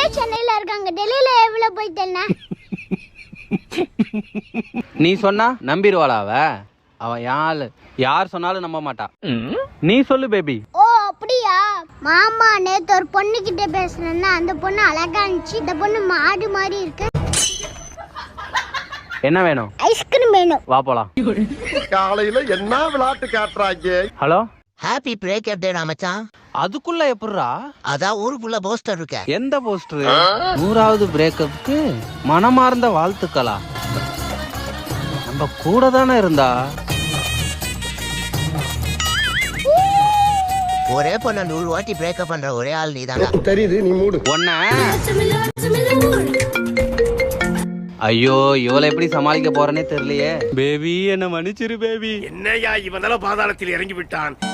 சென்னையில இருக்காங்க. டெல்லியில எவ்வளவு போயிட்டேன்னா நீ சொன்னா நம்பிடுவாளா அவ யார் சொன்னாலும் நம்ப மாட்டா. நீ சொல்லு பேபி. ஓ அப்படியா? மாமா நேத்து ஒரு பொண்ணு கிட்ட பேசுனேன்னா அந்த பொண்ணு அழகா இருந்துச்சு. இந்த பொண்ணு மாடு மாதிரி இருக்கு. என்ன வேணும்? ஐஸ்கிரீம் வேணும். வா போலாம். காலையில என்ன விளையாட்டு காட்டுறாங்க? ஹலோ, ஹாப்பி பிரேக்கப் டே மச்சான். அதுக்குள்ள எப்படிரா? அதான் ஊருக்குள்ள போஸ்டர் இருக்க. எந்த போஸ்டர்? 100வது பிரேக்கப்க்கு மனமார்ந்த வாழ்த்துக்களா? நம்ம கூட தானே இருந்தா. ஒரே பொண்ணு 100 வாட்டி பிரேக்கப் பண்ற ஒரே ஆள் நீதாங்க. தெரியுது, நீ மூடு. ஒன்ன ஐயோ, இவளை எப்படி சமாளிக்க போறேனே தெரியலையே. பேபி என்ன மன்னிச்சிரு பேபி. என்னையா இவனால பாதாளத்தில் இறங்கி விட்டான்.